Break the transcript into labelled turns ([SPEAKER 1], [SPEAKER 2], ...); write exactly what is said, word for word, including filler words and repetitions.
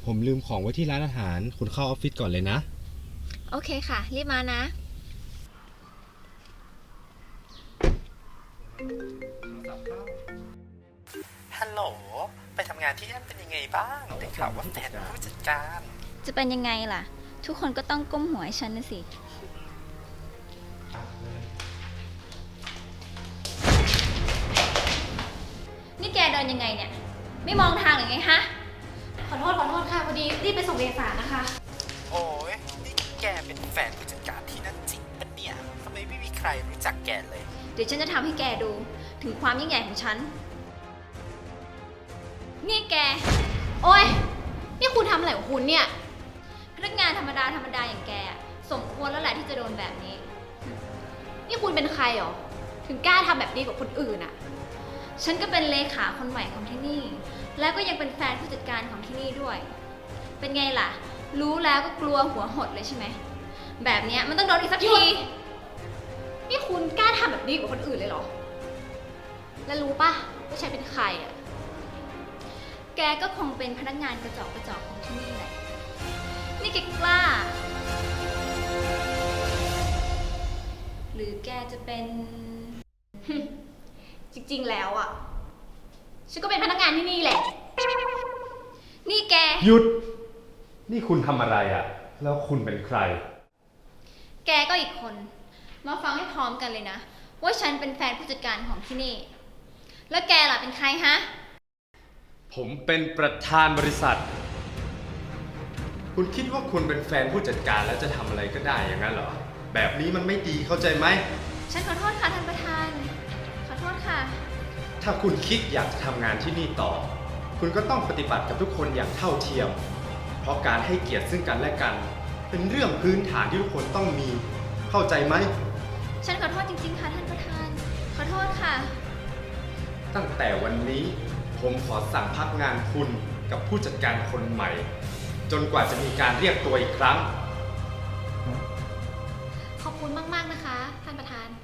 [SPEAKER 1] ผมลืมของไว้ที่ร้านอาหารคุณเข้าออฟฟิศก่อนเลยนะ
[SPEAKER 2] โอเคค่ะ รีบมานะ
[SPEAKER 3] ฮัลโหล ไปทำงานที่นั่นเป็นยังไงบ้าง ได้ข่าวว่าแฟนเป็นผู้จัดการ
[SPEAKER 2] จะเป็นยังไงล่ะ ทุกคนก็ต้องก้มหัวให้ฉันนะสิ นี่แกเดินยังไงเนี่ย ไม่มองทางหรือไงฮะ
[SPEAKER 4] ขอโทษขอโทษค่ะพอดีรีบไปส่งเอกสารนะคะ
[SPEAKER 3] โอ้ยนี่แกเป็นแฟนผู้จัดการที่นั่นจริงปะเนี่ยทำไมไม่มีใครรู้จักแกเลย
[SPEAKER 2] เดี๋ยวฉันจะทำให้แกดูถึงความยิ่งใหญ่ของฉัน นี่แก
[SPEAKER 4] โอ๊ย นี่คุณทำอะไรของคุณเนี่ย
[SPEAKER 2] พนักงานธรรมดาธรรมดาอย่างแกอะสมควรแล้วแหละที่จะโดนแบบนี้
[SPEAKER 4] นี่คุณเป็นใครหรอ ถึงกล้าทำแบบนี้กับคนอื่นอะ
[SPEAKER 2] ฉันก็เป็นเลขาคนใหม่ของที่นี่ แล้วก็ยังเป็นแฟนผู้จัดการของที่นี่ด้วย เป็นไงล่ะ รู้แล้วก็กลัวหัวหดเลยใช่ไหม แบบเนี้ยมันต้องโดนอีกสักที
[SPEAKER 4] นี่คุณกล้าทำแบบนี้กับคนอื่นเลยเหรอ แล้วรู้ปะว่าฉันเป็นใครอะ
[SPEAKER 2] แกก็คงเป็นพนักงานกระจอกกระจอกของที่นี่แหละ นี่แกกล้า หรือแกจะเป็น
[SPEAKER 4] จริงๆแล้วอะฉันก็เป็นพนักงานที่นี่แหละ
[SPEAKER 2] นี่แก
[SPEAKER 5] หยุด นี่คุณทำอะไรอะ่ะ แล้วคุณเป็นใคร
[SPEAKER 2] แกก็อีกคน มาฟังให้พร้อมกันเลยนะ ว่าฉันเป็นแฟนผู้จัดการของที่นี่ แล้วแกล่ะเป็นใครฮะ
[SPEAKER 5] ผมเป็นประธานบริษัท คุณคิดว่าคุณเป็นแฟนผู้จัดการแล้วจะทำอะไรก็ได้อย่างนั้นเหรอ แบบนี้มันไม่ดีเข้าใจไหม
[SPEAKER 2] ฉันขอโทษค่ะท่านประธาน ขอโทษค่ะ
[SPEAKER 5] ถ้าคุณคิดอยากจะทำงานที่นี่ต่อ คุณก็ต้องปฏิบัติกับทุกคนอย่างเท่าเทียม เพราะการให้เกียรติซึ่งกันและกัน เป็นเรื่องพื้นฐานที่ทุกคนต้องมี เข้าใจไหม
[SPEAKER 2] ฉันขอโทษจริงๆค่ะท่านประธาน ขอโทษค่ะ
[SPEAKER 5] ตั้งแต่วันนี้ผมขอสั่งพักงานคุณกับผู้จัดการคนใหม่ จนกว่าจะมีการเรียกตัวอีกครั้ง
[SPEAKER 4] ขอบคุณมากๆนะคะ ท่านประธาน